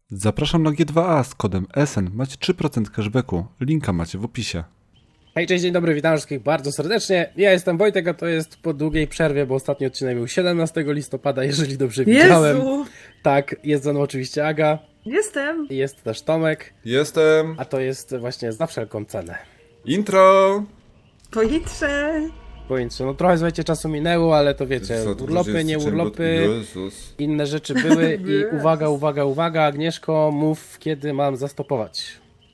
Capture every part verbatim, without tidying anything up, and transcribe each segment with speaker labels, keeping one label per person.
Speaker 1: Zapraszam na G dwa A z kodem S N. Macie trzy procent cashbacku. Linka macie w opisie.
Speaker 2: Hej, cześć, dzień dobry, witam wszystkich bardzo serdecznie. Ja jestem Wojtek, a to jest po długiej przerwie, bo ostatni odcinek był siedemnastego listopada, jeżeli dobrze widziałem.
Speaker 3: Jezu!
Speaker 2: Tak, jest ze mną oczywiście Aga,
Speaker 3: Jestem!
Speaker 2: jest też Tomek,
Speaker 1: Jestem.
Speaker 2: a to jest właśnie za wszelką cenę.
Speaker 1: Intro.
Speaker 3: Pojutrze!
Speaker 2: Powiedzcie, no trochę słuchajcie, czasu minęło, ale to wiecie, urlopy, nie urlopy, inne rzeczy były i uwaga, uwaga, uwaga, Agnieszko, mów, kiedy mam zastopować.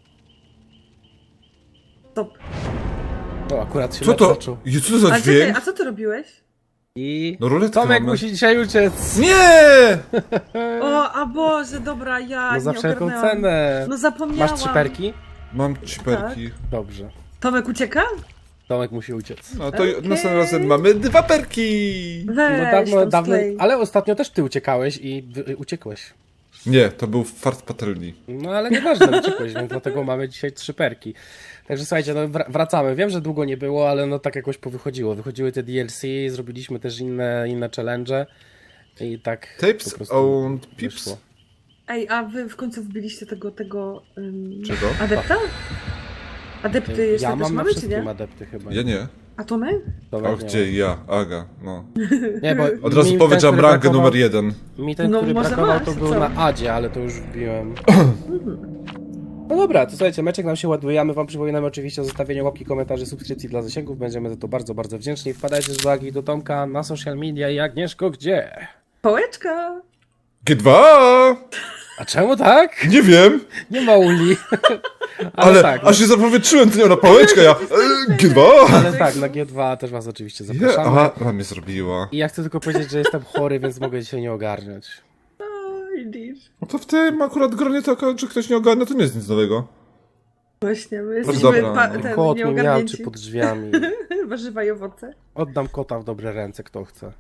Speaker 3: Stop.
Speaker 2: O, akurat się
Speaker 1: Co
Speaker 2: mecz
Speaker 1: to?
Speaker 2: zaczął.
Speaker 1: Je, co to za
Speaker 3: A, czekaj,
Speaker 1: dźwięk?
Speaker 3: a co ty robiłeś?
Speaker 2: I
Speaker 1: No ruletkę
Speaker 2: Tomek
Speaker 1: mamy.
Speaker 2: musi dzisiaj uciec.
Speaker 1: Nie!
Speaker 3: O, a Boże, dobra, ja
Speaker 2: No
Speaker 3: nie
Speaker 2: za wszelką
Speaker 3: ogarnęłam.
Speaker 2: cenę.
Speaker 3: No zapomniałam.
Speaker 2: Masz trzy perki?
Speaker 1: Mam ciperki.
Speaker 2: Dobrze.
Speaker 3: Tomek ucieka?
Speaker 2: Tomek musi uciec.
Speaker 1: No to
Speaker 3: Okej.
Speaker 1: następnym razem mamy dwa perki.
Speaker 3: Weź,
Speaker 2: No dawno,
Speaker 3: tam
Speaker 2: dawno,
Speaker 3: sklej.
Speaker 2: ale ostatnio też ty uciekałeś i wy- uciekłeś.
Speaker 1: Nie, to był fart patelni.
Speaker 2: No ale nieważne, uciekłeś, więc dlatego mamy dzisiaj trzy perki. Także słuchajcie, no wr- wracamy. Wiem, że długo nie było, ale no tak jakoś powychodziło. Wychodziły te D L C, zrobiliśmy też inne, inne challenge i tak
Speaker 1: Tapes
Speaker 2: po prostu
Speaker 1: owned pips.
Speaker 2: wyszło.
Speaker 3: Ej, a wy w końcu wbiliście tego, tego... Um,
Speaker 1: Czego?
Speaker 3: Adepta? Adepty jeszcze
Speaker 2: Ja
Speaker 3: też
Speaker 2: mam na
Speaker 3: mamy, czy
Speaker 2: wszystkim
Speaker 3: nie?
Speaker 2: adepty chyba.
Speaker 1: Ja nie.
Speaker 3: A Tomek?
Speaker 2: Tomek
Speaker 1: O,
Speaker 2: nie
Speaker 1: gdzie
Speaker 2: ma.
Speaker 1: ja? Aga, no.
Speaker 2: Nie, bo
Speaker 1: Od razu
Speaker 2: mi
Speaker 1: powiedz, że
Speaker 2: ten,
Speaker 1: mam
Speaker 2: który
Speaker 1: rangę
Speaker 2: brakował-
Speaker 1: numer jeden.
Speaker 2: Mi ten,
Speaker 3: No,
Speaker 2: który
Speaker 3: może
Speaker 2: brakował,
Speaker 3: masz,
Speaker 2: to
Speaker 3: co?
Speaker 2: był na Adzie, ale to już wbiłem. No dobra, to słuchajcie, meczek nam się ładuje, a my wam przypominamy oczywiście o zostawieniu łapki, komentarzy, subskrypcji dla zasięgów. Będziemy za to bardzo, bardzo wdzięczni. Wpadajcie też do Agi i do Tomka na social media i Agnieszko, gdzie?
Speaker 3: Pałeczka!
Speaker 1: G dwa A!
Speaker 2: A czemu tak?
Speaker 1: Nie wiem,
Speaker 2: Nie ma uli. ale,
Speaker 1: ale
Speaker 2: tak,
Speaker 1: aż się zapowietrzyłem, to nie na pałeczkę, ja... e, G dwa A!
Speaker 2: ale tak, na G dwa też was oczywiście
Speaker 1: Je,
Speaker 2: zapraszamy.
Speaker 1: aha, ona mnie zrobiła.
Speaker 2: I ja chcę tylko powiedzieć, że jestem chory, więc mogę dzisiaj nie ogarniać.
Speaker 3: O, widzisz.
Speaker 1: No to w tym akurat gronie taka, że ktoś nie ogarnia, to nie jest nic nowego.
Speaker 3: Właśnie, my
Speaker 1: dobra,
Speaker 3: jesteśmy
Speaker 1: no.
Speaker 3: pa- ten,
Speaker 2: Kot mi miał
Speaker 3: nieogarnięci.
Speaker 2: czy pod drzwiami.
Speaker 3: Warzywa i owoce.
Speaker 2: Oddam kota w dobre ręce, kto chce.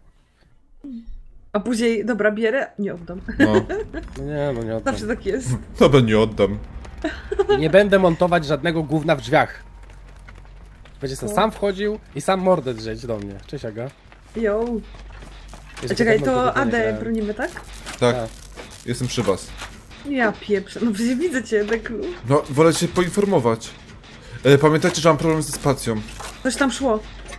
Speaker 3: A później, dobra, bierę, nie oddam.
Speaker 1: No,
Speaker 2: No nie, no nie oddam.
Speaker 3: Zawsze tak jest.
Speaker 1: dobra, nie oddam.
Speaker 2: Nie będę montować żadnego gówna w drzwiach. Będzie sobie sam wchodził i sam mordę drzeć do mnie. Cześć Aga.
Speaker 3: Jo.
Speaker 2: Jezu,
Speaker 3: A czekaj,
Speaker 2: dawno
Speaker 3: to
Speaker 2: tego nie
Speaker 3: Adę
Speaker 2: grałem.
Speaker 3: bronimy, tak?
Speaker 1: Tak,
Speaker 2: Tak.
Speaker 1: jestem przy was.
Speaker 3: Ja pieprzę, no przecież widzę cię, Deklu.
Speaker 1: No, wolę cię poinformować. E, pamiętajcie, że mam problem ze spacją.
Speaker 3: Coś tam szło.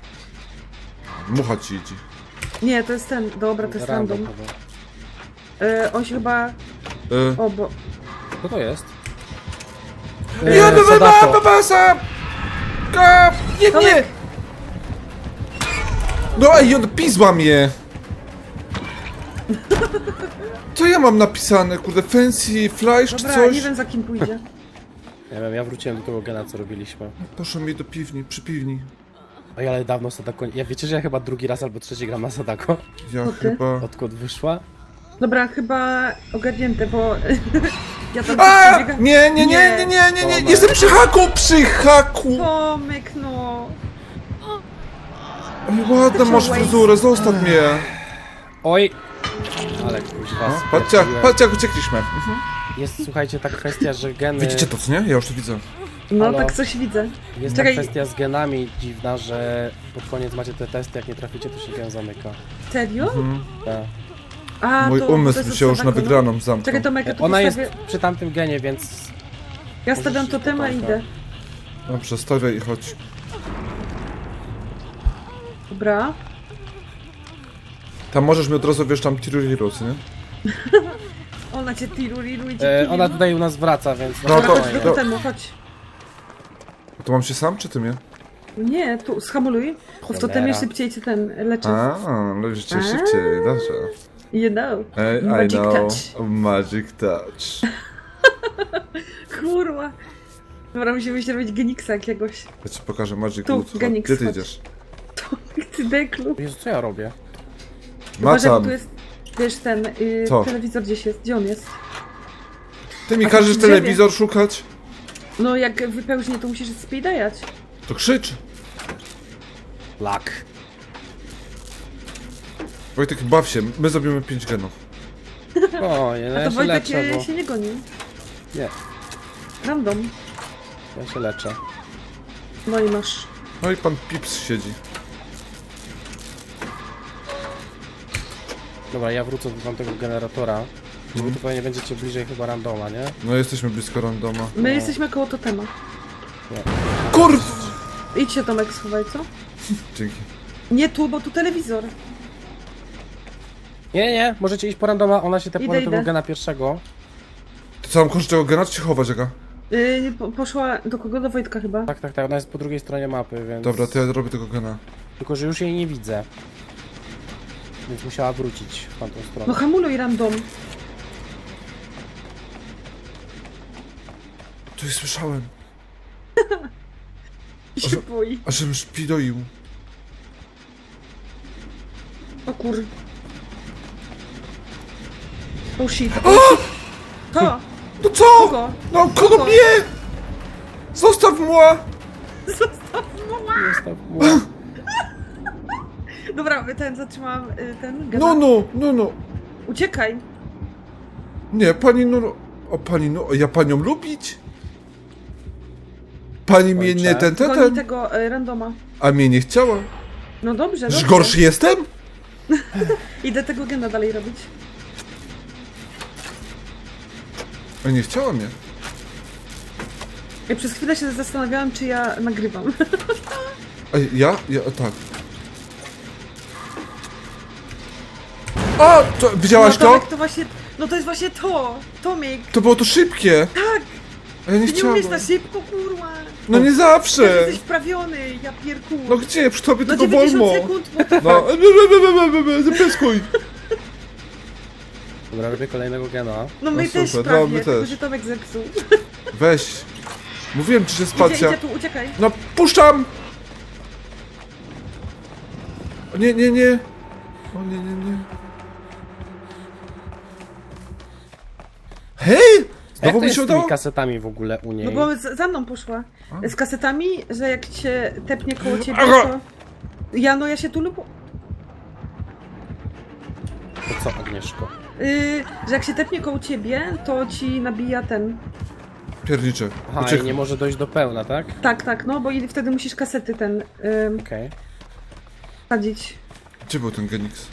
Speaker 1: Mucha ci idzie.
Speaker 3: Nie, to jest ten, dobra, to jest random.
Speaker 2: chyba.
Speaker 3: E, on się chyba,
Speaker 1: E,
Speaker 3: o bo,
Speaker 2: Co to jest?
Speaker 1: ja
Speaker 2: Eee,
Speaker 1: bym
Speaker 2: Sadako.
Speaker 1: babasa! Nie, nie!
Speaker 3: Tomek!
Speaker 1: No ej, on pisła mnie! Co ja mam napisane, kurde, fancy flash czy
Speaker 3: dobra,
Speaker 1: coś?
Speaker 3: nie wiem za kim pójdzie.
Speaker 2: Nie wiem, ja wróciłem do tego gena, co robiliśmy.
Speaker 1: Proszę mi do piwni, przy piwni.
Speaker 2: Oj, ale dawno Sadako... Ja wiecie, że ja chyba drugi raz albo trzeci gram na Sadako?
Speaker 1: Ja
Speaker 3: Co ty?
Speaker 1: chyba...
Speaker 2: Odkąd wyszła?
Speaker 3: Dobra, chyba ogarnięte, bo ja tam
Speaker 1: A!
Speaker 3: przebiegam.
Speaker 1: Nie, nie, nie, nie, nie, nie, nie, nie, jestem przy haku, przy haku!
Speaker 3: Tomek, no.
Speaker 1: Ej, ładna masz fryzurę, zostaw mnie.
Speaker 2: Oj! Ale kuźwa,
Speaker 1: No, patrzcie, jak-
Speaker 2: sprawdziłem.
Speaker 1: patrzcie jak uciekliśmy.
Speaker 2: Jest, słuchajcie, ta kwestia, że geny...
Speaker 1: Widzicie to, co nie? Ja już to widzę.
Speaker 3: No
Speaker 2: Halo?
Speaker 3: tak coś widzę.
Speaker 2: Jest
Speaker 3: Czekaj.
Speaker 2: ta kwestia z genami dziwna, że pod koniec macie te testy, jak nie traficie, to się gen zamyka.
Speaker 3: Serio?
Speaker 2: Tak.
Speaker 3: A,
Speaker 1: Mój
Speaker 3: to, to
Speaker 1: umysł
Speaker 3: jest
Speaker 1: się już na
Speaker 3: Sadako, no.
Speaker 1: wygraną zamknął.
Speaker 3: Czekaj, Tomek, ja tu
Speaker 2: Ona jest
Speaker 3: postawię...
Speaker 2: przy tamtym genie, więc...
Speaker 3: Ja stawiam
Speaker 2: możesz
Speaker 3: to
Speaker 2: iść
Speaker 3: tema
Speaker 2: do
Speaker 3: i
Speaker 2: Tomka.
Speaker 3: idę.
Speaker 1: No, przestawiaj i chodź.
Speaker 3: Dobra.
Speaker 1: Tam możesz mi od razu, wiesz, tam tiruriru, co nie?
Speaker 3: Ona cię tiruriru i cię
Speaker 2: E,
Speaker 3: kili,
Speaker 2: ona
Speaker 3: no.
Speaker 2: tutaj u nas wraca, więc...
Speaker 1: No
Speaker 3: Dobra,
Speaker 1: to-
Speaker 3: chodź
Speaker 2: spokojnie.
Speaker 3: do
Speaker 1: to-
Speaker 3: temu, chodź.
Speaker 1: To mam się sam, czy ty mnie?
Speaker 3: Nie, tu, schamuluj. Bo w
Speaker 2: Cholera.
Speaker 3: totemie szybciej cię ten leczy.
Speaker 1: A, no już cię
Speaker 3: A.
Speaker 1: szybciej, dobrze.
Speaker 3: You know.
Speaker 1: Hey, I
Speaker 3: Magic
Speaker 1: know.
Speaker 3: touch.
Speaker 1: Magic touch.
Speaker 3: Kurwa. Dobra, musimy się robić geniksa jakiegoś.
Speaker 1: Ja ci pokażę Magic
Speaker 3: Tu,
Speaker 1: Wood. Chodź,
Speaker 3: Genix,
Speaker 1: gdzie ty
Speaker 3: chodź.
Speaker 1: idziesz?
Speaker 3: Ty deklu.
Speaker 2: Jezu, co ja robię?
Speaker 3: Uważaj, bo
Speaker 1: Macam.
Speaker 3: tu jest, wiesz, ten y,
Speaker 1: Co?
Speaker 3: telewizor gdzieś jest. Gdzie on jest?
Speaker 1: Ty mi
Speaker 3: A
Speaker 1: każesz
Speaker 3: w drzewie.
Speaker 1: telewizor szukać?
Speaker 3: No, jak wypełźnie, to musisz speedajać.
Speaker 1: To krzycz.
Speaker 2: Lak.
Speaker 1: Wojtek, baw się, my zrobimy pięć genów.
Speaker 2: O, nie, no
Speaker 3: A
Speaker 2: ja
Speaker 3: to
Speaker 2: się
Speaker 3: Wojtek
Speaker 2: leczę,
Speaker 3: y,
Speaker 2: bo...
Speaker 3: się nie goni.
Speaker 2: Nie,
Speaker 3: Random.
Speaker 2: ja się leczę.
Speaker 3: No i masz.
Speaker 1: No i pan Pips siedzi.
Speaker 2: Dobra, ja wrócę do tamtego generatora. Wy tu pewnie będziecie bliżej chyba randoma, nie?
Speaker 1: No jesteśmy blisko randoma.
Speaker 3: My jesteśmy koło totema.
Speaker 1: Kurw!
Speaker 3: Idź się Tomek schowaj, co?
Speaker 1: Dzięki.
Speaker 3: Nie tu, bo tu telewizor.
Speaker 2: Nie, nie, możecie iść po randoma, ona się tepła
Speaker 3: Idę,
Speaker 2: do tego
Speaker 3: idę.
Speaker 2: gena pierwszego.
Speaker 1: To co, mam kończyć tego gena, czy się chować, jaka?
Speaker 3: Yy, po, poszła do kogo? Do Wojtka chyba.
Speaker 2: Tak, tak, tak, ona jest po drugiej stronie mapy, więc...
Speaker 1: Dobra, to ja robię tego gena.
Speaker 2: Tylko, że już jej nie widzę. Więc musiała wrócić w tamtą
Speaker 3: No
Speaker 2: stronę.
Speaker 3: hamuluj random.
Speaker 1: Coś słyszałem.
Speaker 3: I się boi.
Speaker 1: A żebym szpidoił.
Speaker 3: O kur... Oh shit. Oh shit. To!
Speaker 1: No co?
Speaker 3: Kogo?
Speaker 1: No kogo
Speaker 3: Kogo?
Speaker 1: mnie? Zostaw mnie!
Speaker 3: Zostaw mała!
Speaker 2: Zostaw mu.
Speaker 3: Dobra, ten zatrzymałam y, ten gena.
Speaker 1: No, no, no, no.
Speaker 3: Uciekaj.
Speaker 1: Nie, pani no, no. O, pani no, ja panią lubić? Pani mnie nie ten, ten,
Speaker 3: Goni
Speaker 1: ten.
Speaker 3: tego y, randoma.
Speaker 1: A mnie nie chciała.
Speaker 3: No dobrze,
Speaker 1: Że
Speaker 3: dobrze.
Speaker 1: gorszy jestem?
Speaker 3: Idę tego gena dalej robić.
Speaker 1: A nie chciała mnie.
Speaker 3: Ja przez chwilę się zastanawiałam, czy ja nagrywam.
Speaker 1: A ja? Ja, tak. A, to, widziałaś
Speaker 3: no,
Speaker 1: to?
Speaker 3: Tomek, to właśnie... No to jest właśnie to! Tomek!
Speaker 1: To było to szybkie.
Speaker 3: Tak!
Speaker 1: A ja nie
Speaker 3: Ty nie
Speaker 1: chciałam.
Speaker 3: umiesz na szybko, kurwa!
Speaker 1: No nie
Speaker 3: Ty
Speaker 1: zawsze.
Speaker 3: jesteś wprawiony, ja pierku!
Speaker 1: No gdzie? Przy tobie
Speaker 3: No
Speaker 1: tylko
Speaker 3: dziewięćdziesiąt
Speaker 1: wolno.
Speaker 3: sekund, bo...
Speaker 1: No, zapyskuj.
Speaker 2: Dobra, robię kolejnego gena.
Speaker 3: No my
Speaker 1: No
Speaker 3: też
Speaker 1: super,
Speaker 3: prawie,
Speaker 1: no my
Speaker 3: tylko
Speaker 1: też.
Speaker 3: że Tomek zepsuł.
Speaker 1: Weź. Mówiłem ci, że
Speaker 3: Idzie,
Speaker 1: spacja.
Speaker 3: idzie tu, uciekaj.
Speaker 1: No, puszczam! O, nie, nie, nie. O, nie, nie, nie. Hej!
Speaker 2: Jak
Speaker 1: Znowu
Speaker 2: to
Speaker 1: mi
Speaker 2: jest
Speaker 1: się
Speaker 2: z tymi
Speaker 1: udało?
Speaker 2: kasetami w ogóle u niej?
Speaker 3: No bo z- za mną poszła. Z kasetami, że jak cię tepnie koło ciebie,
Speaker 1: Aha.
Speaker 3: to... Ja, no ja się tu lub...
Speaker 2: To co, Agnieszko?
Speaker 3: Yy, że jak się tepnie koło ciebie, to ci nabija ten...
Speaker 1: Piernicze.
Speaker 2: Aha,
Speaker 1: Uciekł.
Speaker 2: i nie może dojść do pełna, tak?
Speaker 3: Tak, tak, no bo i wtedy musisz kasety ten... Yy,
Speaker 2: Okej.
Speaker 3: sadzić.
Speaker 1: Gdzie był ten Genix?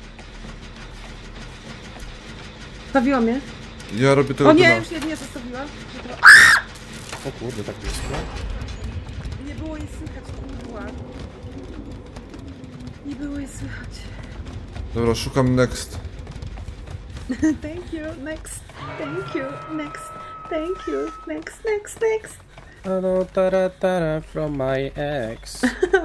Speaker 3: Stawiła mnie.
Speaker 1: Ja robię tego
Speaker 3: O nie,
Speaker 1: gena.
Speaker 3: już nie, nie zostawiła.
Speaker 2: O kurde, tak blisko.
Speaker 3: Nie było jej słychać, kurwa. Nie było jej słychać.
Speaker 1: Dobra, szukam next.
Speaker 3: Thank you, next. Thank you, next. Thank you, next, next, next.
Speaker 2: Hello, tara, tara, from my ex.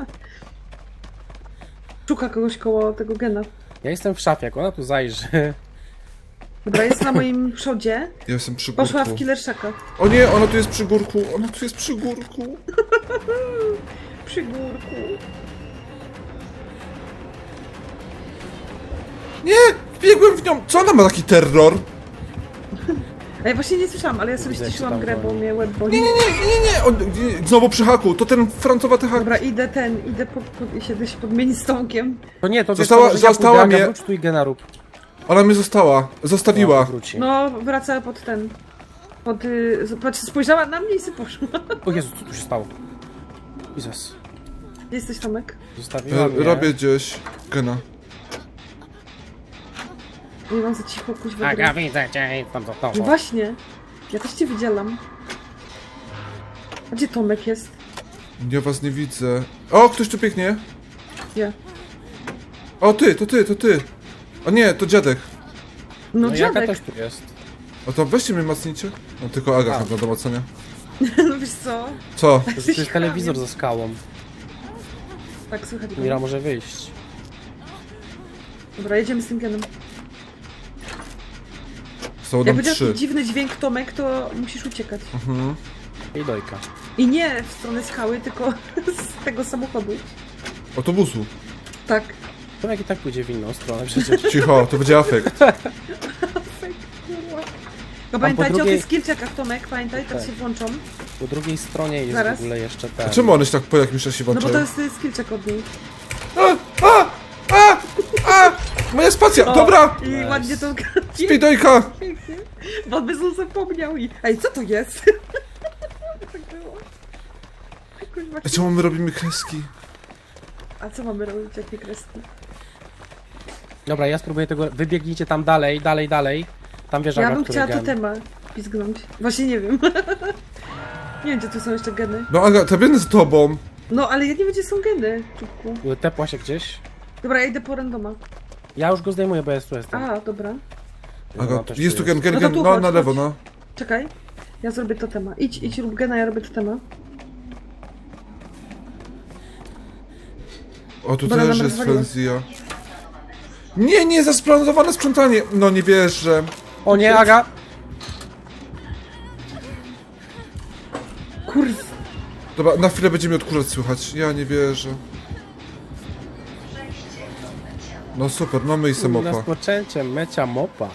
Speaker 3: Szuka kogoś koło tego gena.
Speaker 2: Ja jestem w szafie, jak ona tu zajrzy.
Speaker 3: Dobra, jest na moim przodzie.
Speaker 1: Ja jestem przy górku.
Speaker 3: Poszła w killerszaka.
Speaker 1: O nie, ona tu jest przy górku. Ona tu jest przy górku.
Speaker 3: Przy górku.
Speaker 1: Nie! Biegłem w nią. Co ona ma taki terror?
Speaker 3: A ja właśnie nie słyszałam, ale ja sobie
Speaker 2: Widzę, jak
Speaker 3: ściszyłam
Speaker 2: się tam
Speaker 3: grę, bo
Speaker 2: goni.
Speaker 3: mnie łeb boli.
Speaker 1: Nie, nie, nie, nie, nie. On, nie. Znowu przy haku. To ten francowaty hak.
Speaker 3: Dobra, idę ten, idę po, po, się, się podmienić z Tomkiem.
Speaker 2: To nie, to
Speaker 1: Została-
Speaker 2: wiesz co, może ja
Speaker 1: została
Speaker 2: pójdę, Aga,
Speaker 1: mnie-
Speaker 2: wróć tu i gena rób.
Speaker 1: Ona mnie została. Zostawiła.
Speaker 2: No, wróci.
Speaker 3: No, wraca pod ten. Pod, y, patrz, spojrzała na mnie i sobie poszła.
Speaker 2: O Jezu, co tu się stało? Jezus.
Speaker 3: Gdzie jesteś, Tomek?
Speaker 2: Zostawiła
Speaker 1: E,
Speaker 2: mnie.
Speaker 1: robię gdzieś gena.
Speaker 3: Nie mam za cicho, kuźwa.
Speaker 2: Aga,
Speaker 3: grę.
Speaker 2: widzę cię, tam za
Speaker 3: No
Speaker 2: tobą.
Speaker 3: właśnie. Ja też cię widziałam. A gdzie Tomek jest?
Speaker 1: Ja was nie widzę. O, ktoś tu pięknie.
Speaker 3: Ja.
Speaker 1: O, ty, to ty, to ty. O nie, to dziadek.
Speaker 3: No,
Speaker 2: No Jaka
Speaker 3: dziadek.
Speaker 2: też tu jest.
Speaker 1: O to weźcie mnie macnijcie. No tylko Aga
Speaker 2: A.
Speaker 1: chyba do macenia.
Speaker 3: No wiesz co?
Speaker 1: Co?
Speaker 2: To jest, to jest telewizor za skałą.
Speaker 3: Tak, słychać go.
Speaker 2: Mira może wyjść.
Speaker 3: Dobra, jedziemy z tym genem.
Speaker 1: Są
Speaker 3: Jak
Speaker 1: nam
Speaker 3: będzie
Speaker 1: trzy.
Speaker 3: taki dziwny dźwięk, Tomek, to musisz uciekać.
Speaker 1: Mhm.
Speaker 2: I dojka.
Speaker 3: I nie w stronę skały, tylko z tego samochodu.
Speaker 1: Autobusu.
Speaker 3: Tak.
Speaker 2: To jak i tak pójdzie w inną stronę przecież.
Speaker 1: Cicho, to będzie afekt.
Speaker 3: No pamiętajcie
Speaker 2: drugiej-
Speaker 3: o tych skillczekach, Tomek, pamiętaj, teraz
Speaker 2: Tak.
Speaker 3: się włączą.
Speaker 2: Po drugiej stronie jest
Speaker 3: Zaraz.
Speaker 2: w ogóle jeszcze ten.
Speaker 1: A czemu one się tak po jakimś czasie
Speaker 3: No bo
Speaker 1: włączają?
Speaker 3: to jest y, skillczek od niej.
Speaker 1: A, a, a, a! Moja spacja!
Speaker 3: O,
Speaker 1: Dobra!
Speaker 3: I
Speaker 2: Nice.
Speaker 3: ładnie to...
Speaker 1: Spidojka!
Speaker 3: Pięknie. Bo by znów zapomniał i... Ej, co to jest? Tak było. Kuźwa.
Speaker 1: A czemu my robimy kreski?
Speaker 3: A co mamy robić, jakie kreski?
Speaker 2: Dobra, ja spróbuję tego. Wybiegnijcie tam dalej, dalej, dalej. Tam wiesz,
Speaker 3: Ja
Speaker 2: Aga,
Speaker 3: bym
Speaker 2: który
Speaker 3: chciała
Speaker 2: gen.
Speaker 3: totema pizgnąć. Właśnie nie wiem. Nie wiem, gdzie tu są jeszcze geny.
Speaker 1: No Aga, ta biegnę z tobą.
Speaker 3: No, ale ja nie wiem, gdzie są geny, czubku.
Speaker 2: Tepła się gdzieś.
Speaker 3: Dobra, ja idę po randoma.
Speaker 2: Ja już go zdejmuję, bo ja tu jestem.
Speaker 3: A, dobra.
Speaker 1: Aga,
Speaker 2: No, też
Speaker 1: jest tu gen, gen,
Speaker 3: No to
Speaker 1: gen,
Speaker 3: tu
Speaker 1: no
Speaker 3: chodź,
Speaker 1: na lewo,
Speaker 3: chodź.
Speaker 1: no.
Speaker 3: Czekaj. Ja zrobię totema. Idź, idź, rób gena, ja robię totema.
Speaker 1: O, tu
Speaker 3: Dobra,
Speaker 1: też
Speaker 3: nam
Speaker 1: jest
Speaker 3: rozwaliło.
Speaker 1: Frenzja. Nie, nie, zasplanowane sprzątanie. No nie wierzę.
Speaker 2: O nie, Aga!
Speaker 3: Kurw.
Speaker 1: Dobra, na chwilę będzie mi odkurzać słychać. Ja nie wierzę. No super, mamy i
Speaker 2: Z
Speaker 1: samopa.
Speaker 2: rozpoczęciem mecia mopa.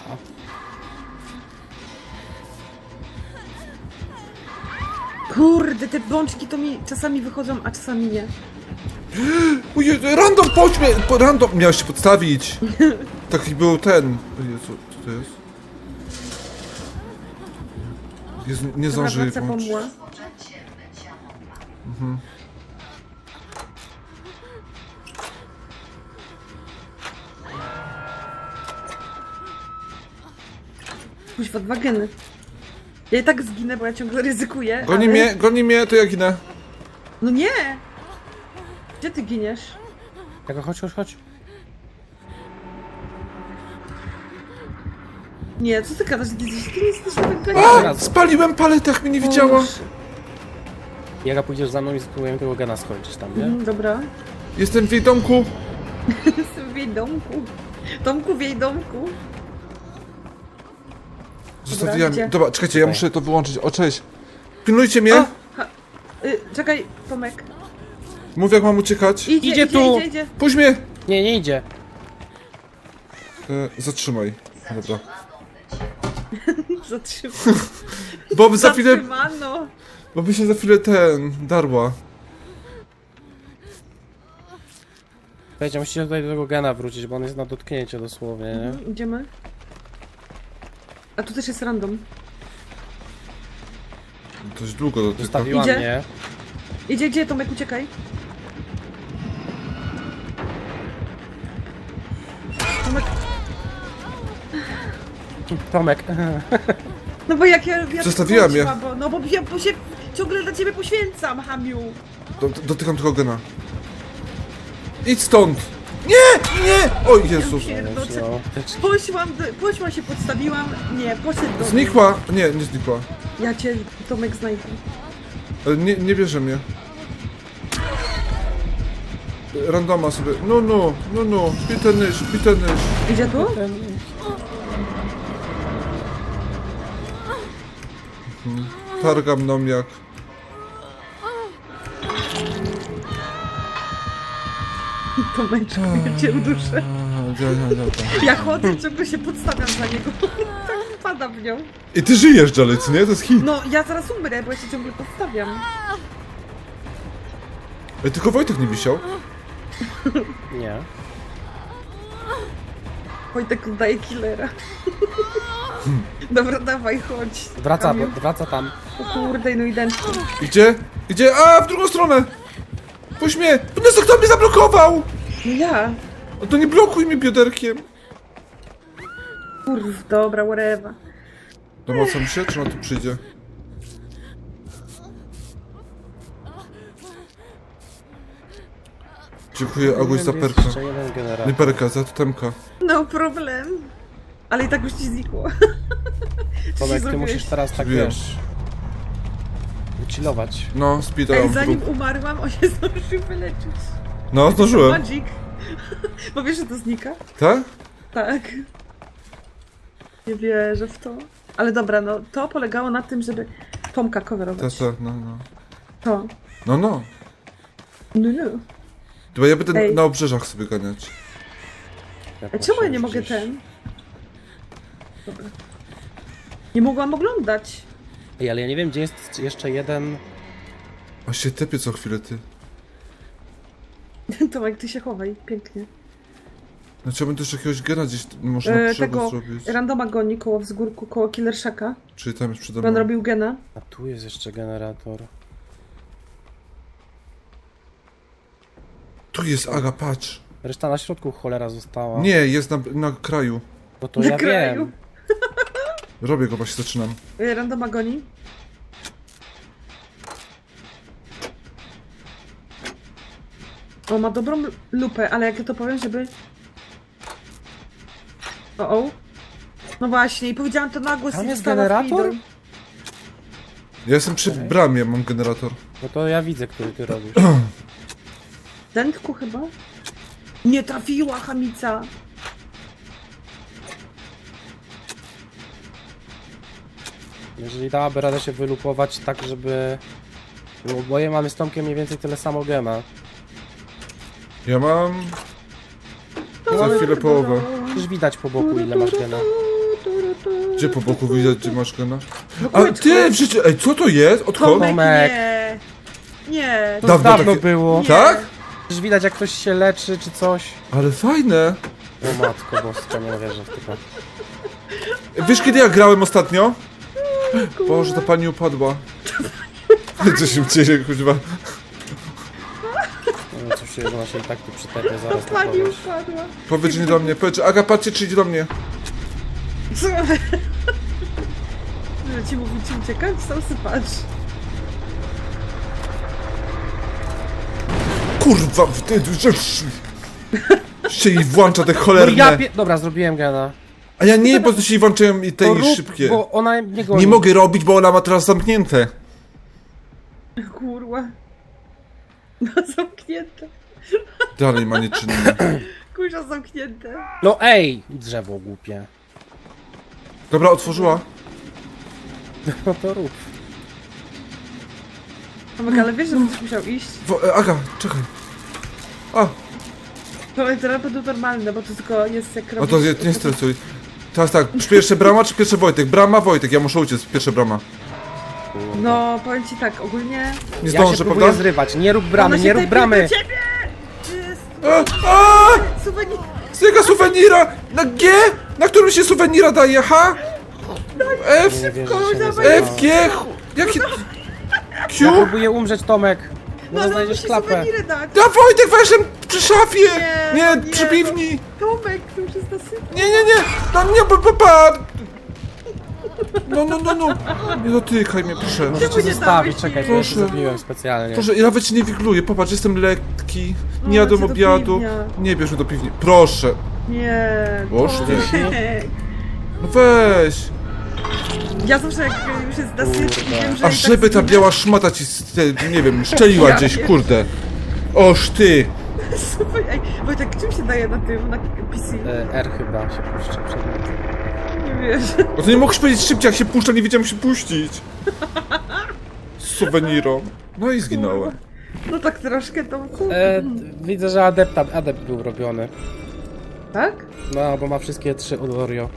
Speaker 3: Kurde, te bączki to mi czasami wychodzą, a czasami nie.
Speaker 1: Ojej, random, chodźmy! po- Random! Miałeś się podstawić. Taki był ten. O Jezu, co to jest? Jezu, nie
Speaker 3: Dobra,
Speaker 1: zdąży jej
Speaker 3: wraca
Speaker 1: włączyć.
Speaker 3: pomła. Kuźwa, dwa geny. Ja i tak zginę, bo ja ciągle ryzykuję.
Speaker 1: Goni
Speaker 3: ale...
Speaker 1: mnie, goni mnie, to ja ginę.
Speaker 3: No nie! Gdzie ty giniesz?
Speaker 2: Aga, chodź, chodź, chodź.
Speaker 3: Nie, co ty gadasz? Ty, ty, ty nie jesteś tak
Speaker 1: A! Spaliłem paletę, jak mnie nie widziała.
Speaker 2: I Aga, pójdziesz za mną i spróbujemy tego gena skończyć tam, nie?
Speaker 3: Mm, dobra.
Speaker 1: Jestem w jej domku.
Speaker 3: Jestem w jej domku. Domku w jej domku.
Speaker 1: Zostawiłem.
Speaker 3: gdzie?
Speaker 1: Dobra, czekajcie, ja
Speaker 2: Tutaj.
Speaker 1: muszę to wyłączyć. O, cześć. Pilnujcie mnie.
Speaker 3: O! Ha, y, czekaj, Tomek.
Speaker 1: Mów, jak mam uciekać.
Speaker 3: Idzie,
Speaker 2: Idzie
Speaker 3: idzie,
Speaker 2: tu.
Speaker 3: idzie, idzie.
Speaker 1: Puść mnie.
Speaker 2: Nie, nie idzie.
Speaker 1: E, zatrzymaj. Dobra.
Speaker 3: Zatrzymano.
Speaker 1: Bo za chwilę,
Speaker 3: Zatrzymano.
Speaker 1: bo by się za chwilę ten, darła.
Speaker 2: Słuchajcie, musicie tutaj do tego gena wrócić, bo on jest na dotknięcie dosłownie, nie?
Speaker 3: Mhm, idziemy. A tu też jest random.
Speaker 1: Dość długo dotyka.
Speaker 2: Zostawiła
Speaker 3: Idzie?
Speaker 2: mnie.
Speaker 3: Idzie, gdzie Tomek, uciekaj. Tomek,
Speaker 2: Tomek.
Speaker 3: no bo jak ja... ja
Speaker 1: Zostawiła
Speaker 3: tak
Speaker 1: mnie.
Speaker 3: Bo, no bo ja bo się ciągle dla ciebie poświęcam, Hamiu.
Speaker 1: Do, do, dotykam tego gena. Idź stąd. Nie, nie. O Jezus.
Speaker 3: Pierdocze.
Speaker 2: No,
Speaker 3: Poszłam, do, poszłam się, podstawiłam. Nie, poszedł do mnie.
Speaker 1: Znikła. Nie, nie znikła.
Speaker 3: Ja cię, Tomek, znajdę.
Speaker 1: Ale nie, nie bierze mnie. Randoma sobie. No, no, no, no. Bitte nicht, bitte nicht.
Speaker 3: Idzie tu?
Speaker 1: Targam mną jak.
Speaker 3: Tomeczku, ja cię uduszę.
Speaker 1: A, ja, ja, ja.
Speaker 3: Ja chodzę, ciągle się podstawiam za niego. Tak wpada w nią.
Speaker 1: I ty żyjesz dalej, co nie? To jest hit.
Speaker 3: No, ja zaraz umrę, bo ja się ciągle podstawiam.
Speaker 1: Ej, tylko Wojtek nie wisiał.
Speaker 2: Nie.
Speaker 3: Wojtek oddaje killera. Dobra, dawaj, chodź.
Speaker 2: Wraca,
Speaker 3: Kamiu.
Speaker 2: wraca tam.
Speaker 3: O kurde, no i dęczki.
Speaker 1: Idzie? Idzie? A, w drugą stronę! Puść mnie! No kto mnie zablokował?
Speaker 3: No ja.
Speaker 1: No to nie blokuj mi bioderkiem.
Speaker 3: Kurw, dobra, whatever.
Speaker 1: Domocam się, czy ona tu przyjdzie? Dziękuję, Aguś, za
Speaker 2: Jest
Speaker 1: perka.
Speaker 2: jeszcze jeden generator.
Speaker 1: Nie perka, za totemka.
Speaker 3: No problem. Ale i tak już ci znikło. Co ci
Speaker 2: Tomek, ty
Speaker 3: zrobiłeś?
Speaker 2: musisz teraz tak,
Speaker 1: Zrobiłem.
Speaker 2: wiesz... Wychillować.
Speaker 1: No, speeda
Speaker 3: Ej,
Speaker 1: mam w
Speaker 3: zanim
Speaker 1: grup.
Speaker 3: umarłam, on się zdążył wyleczyć.
Speaker 1: No, zdążyłem.
Speaker 3: Magic. Bo wiesz, że to znika?
Speaker 1: Tak?
Speaker 3: Tak. Nie wierzę w to. Ale dobra, no to polegało na tym, żeby Tomka
Speaker 1: Tak,
Speaker 3: coverować.
Speaker 1: tak, no, no.
Speaker 3: To.
Speaker 1: No, no.
Speaker 3: No, no.
Speaker 1: Chyba ja będę
Speaker 3: Ej.
Speaker 1: na obrzeżach sobie ganiać.
Speaker 3: A czemu ja nie
Speaker 2: patrzę
Speaker 3: mogę
Speaker 2: gdzieś.
Speaker 3: ten? Dobra. Nie mogłam oglądać.
Speaker 2: Ej, ale ja nie wiem, gdzie jest jeszcze jeden...
Speaker 1: A się tepie co chwilę, ty.
Speaker 3: Tomek, ty się chowaj, pięknie.
Speaker 1: Znaczy, ja bym też jakiegoś gena gdzieś można
Speaker 3: E,
Speaker 1: przego
Speaker 3: tego
Speaker 1: zrobić.
Speaker 3: randoma goni koło wzgórku, koło Killer Shacka.
Speaker 1: Czyli tam jest przede
Speaker 3: Bo on
Speaker 1: mną.
Speaker 3: robił gena.
Speaker 2: A tu jest jeszcze generator.
Speaker 1: Tu jest Aga, patrz.
Speaker 2: Reszta na środku cholera została.
Speaker 1: Nie, jest na, na kraju.
Speaker 2: No to
Speaker 3: Na
Speaker 2: ja
Speaker 3: kraju.
Speaker 2: wiem.
Speaker 1: Robię go, właśnie zaczynam.
Speaker 3: Y, Random agoni. O, ma dobrą lupę, ale jak ja to powiem, żeby... O, o. No właśnie, i powiedziałam to na głos.
Speaker 2: Tam
Speaker 3: i
Speaker 2: jest
Speaker 3: wstała
Speaker 2: generator?
Speaker 3: Freedom.
Speaker 1: Ja jestem przy
Speaker 2: Okej.
Speaker 1: bramie, mam generator.
Speaker 2: No to ja widzę, który ty robisz.
Speaker 3: Dętku chyba? Nie trafiła, chamica.
Speaker 2: Jeżeli dałaby radę się wylupować tak, żeby... Bo oboje mamy z Tomkiem mniej więcej tyle samo gema.
Speaker 1: Ja mam...
Speaker 2: No,
Speaker 1: Za
Speaker 2: ale
Speaker 1: chwilę połowę.
Speaker 2: już widać po boku, ile masz gena.
Speaker 1: Gdzie po boku widać, gdzie masz gena? A
Speaker 3: kółeczko.
Speaker 1: ty, w życiu... Ej, co to jest? Odkąd?
Speaker 3: Tomek,
Speaker 2: Tomek.
Speaker 3: nie. Nie.
Speaker 2: To
Speaker 1: Dawno
Speaker 2: dawno
Speaker 1: takie-
Speaker 2: było.
Speaker 3: Nie.
Speaker 1: Tak?
Speaker 2: Już widać, jak ktoś się leczy, czy coś.
Speaker 1: Ale fajne.
Speaker 2: O matko boska, nie wierzę w to.
Speaker 1: Wiesz, kiedy ja grałem ostatnio? Boże, ta pani upadła. Co się dzieje, kuźwa?
Speaker 2: No cóż, ona się i tak tu przytepie zaraz na
Speaker 3: Pani
Speaker 2: kogoś.
Speaker 3: upadła.
Speaker 1: Powiedz, że nie do mnie. Powiedz, Aga, patrzcie, czy idzie do mnie.
Speaker 3: Co? Że ci mówić, ci uciekać? Sam sypacz.
Speaker 1: Kurwa, ty, że... się jej włącza te
Speaker 2: No
Speaker 1: cholerne.
Speaker 2: ja pie... Dobra, zrobiłem gena.
Speaker 1: A ja nie, bo to się jej włączają i te
Speaker 2: To
Speaker 1: i
Speaker 2: rób,
Speaker 1: szybkie.
Speaker 2: bo ona nie goni.
Speaker 1: Nie mogę robić, bo ona ma teraz zamknięte.
Speaker 3: Kurwa. No zamknięte.
Speaker 1: Dalej ma nieczynne.
Speaker 3: Kurwa zamknięte.
Speaker 2: No ej! Drzewo głupie.
Speaker 1: Dobra, otworzyła.
Speaker 2: No to rób.
Speaker 3: Tomek, ale wiesz, że będziesz musiał iść?
Speaker 1: Wo, e, Aga, czekaj. A,
Speaker 3: Tomek, teraz będą normalne, bo to tylko jest jak
Speaker 1: no
Speaker 3: robisz...
Speaker 1: to nie, nie stresuj. Teraz tak, pierwsze brama czy pierwsze Wojtek? Brama, Wojtek, ja muszę uciec, pierwsza brama.
Speaker 3: No, powiem ci tak, ogólnie...
Speaker 1: Nie
Speaker 2: Ja się
Speaker 1: zdążę,
Speaker 2: próbuję
Speaker 1: prawda?
Speaker 2: zrywać. Nie rób bramy,
Speaker 3: Ona się
Speaker 2: nie rób
Speaker 3: tepie
Speaker 2: bramy!
Speaker 3: do ciebie! Jest
Speaker 1: A, a,
Speaker 3: suwenir...
Speaker 1: z tego suwenira! Na G? Na którym się suwenira daje, ha? F,
Speaker 2: Nie wierzę, że się nie
Speaker 3: F,
Speaker 2: zrywa.
Speaker 1: F, G, ch- jaki...
Speaker 2: Ja
Speaker 1: Q?
Speaker 2: próbuję umrzeć, Tomek. No
Speaker 3: No,
Speaker 2: to
Speaker 3: ale
Speaker 2: znajdziesz
Speaker 3: musi
Speaker 2: klapę.
Speaker 3: suweniry dać.
Speaker 1: Ja Wojtek weszłem przy szafie!
Speaker 3: Nie,
Speaker 1: Nie,
Speaker 3: nie,
Speaker 1: przy
Speaker 3: no.
Speaker 1: piwni!
Speaker 3: Tomek, to już jest nasyp.
Speaker 1: Nie, nie, nie! No nie, pa, pa, pa. No, no, no, no! Nie dotykaj mnie, proszę.
Speaker 2: Możecie
Speaker 3: Czemu nie
Speaker 2: zostawić,
Speaker 3: dałeś
Speaker 2: czekaj,
Speaker 3: jej?
Speaker 2: to ja się
Speaker 1: Proszę.
Speaker 2: zrobiłem specjalnie.
Speaker 1: Proszę, ja nawet się nie wigluję, popatrz, jestem lekki,
Speaker 3: No,
Speaker 1: nie jadłem
Speaker 3: cię do
Speaker 1: obiadu.
Speaker 3: piwnia.
Speaker 1: Nie bierz mnie do piwni, proszę.
Speaker 3: Nie,
Speaker 1: Boż ty.
Speaker 3: Tomek.
Speaker 1: No weź!
Speaker 3: Ja zawsze jak już jest nasyp i wiem, że
Speaker 1: A
Speaker 3: i
Speaker 1: żeby ta
Speaker 3: tak
Speaker 1: biała szmata ci, z te- nie wiem, szczeliła
Speaker 3: Ja
Speaker 1: gdzieś,
Speaker 3: wiem.
Speaker 1: kurde. Oż ty!
Speaker 3: Super, ej, Wojtek, czym się daje na tym, na P C?
Speaker 2: E, R chyba się puszcza przed nim.
Speaker 3: Nie wiesz.
Speaker 1: No to nie mogłeś powiedzieć szybciej, jak się puszcza, nie wiedziałem jak się puścić. Z suwenirą. No i zginąłem.
Speaker 3: No tak troszkę to...
Speaker 2: E, widzę, że adepta, adept był robiony.
Speaker 3: Tak?
Speaker 2: No, bo ma wszystkie trzy od Oreo.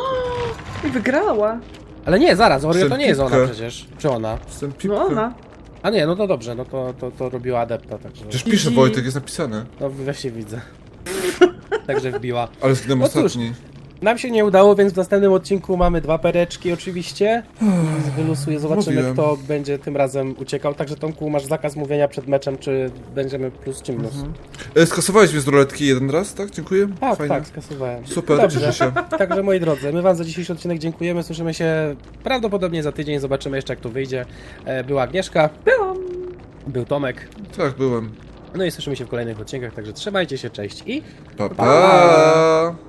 Speaker 3: I wygrała.
Speaker 2: Ale nie, zaraz, Oreo to nie jest ona
Speaker 1: Pipkę.
Speaker 2: przecież. Czy ona?
Speaker 1: Jestem pipkę.
Speaker 3: No ona.
Speaker 2: A nie, no to dobrze, no to, to, to robiła adepta, także...
Speaker 1: Przecież pisze Wojtek, jest napisane.
Speaker 2: No właśnie widzę. Także wbiła.
Speaker 1: Ale zginąłem
Speaker 2: No cóż.
Speaker 1: ostatni.
Speaker 2: Nam się nie udało, więc w następnym odcinku mamy dwa pereczki oczywiście. I wylusuję, zobaczymy
Speaker 1: Mówiłem.
Speaker 2: kto będzie tym razem uciekał. Także Tomku, masz zakaz mówienia przed meczem, czy będziemy plus czy minus.
Speaker 1: E, skasowałeś mnie z ruletki jeden raz, tak? Dziękuję.
Speaker 2: Tak,
Speaker 1: Fajnie.
Speaker 2: tak, skasowałem.
Speaker 1: Super,
Speaker 2: Dobrze.
Speaker 1: cieszę się.
Speaker 2: Także moi drodzy, my wam za dzisiejszy odcinek dziękujemy. Słyszymy się prawdopodobnie za tydzień, zobaczymy jeszcze jak to wyjdzie. E, Była Agnieszka,
Speaker 3: Byłam.
Speaker 2: był Tomek.
Speaker 1: Tak, byłem.
Speaker 2: No i słyszymy się w kolejnych odcinkach, także trzymajcie się, cześć i...
Speaker 1: Pa, pa.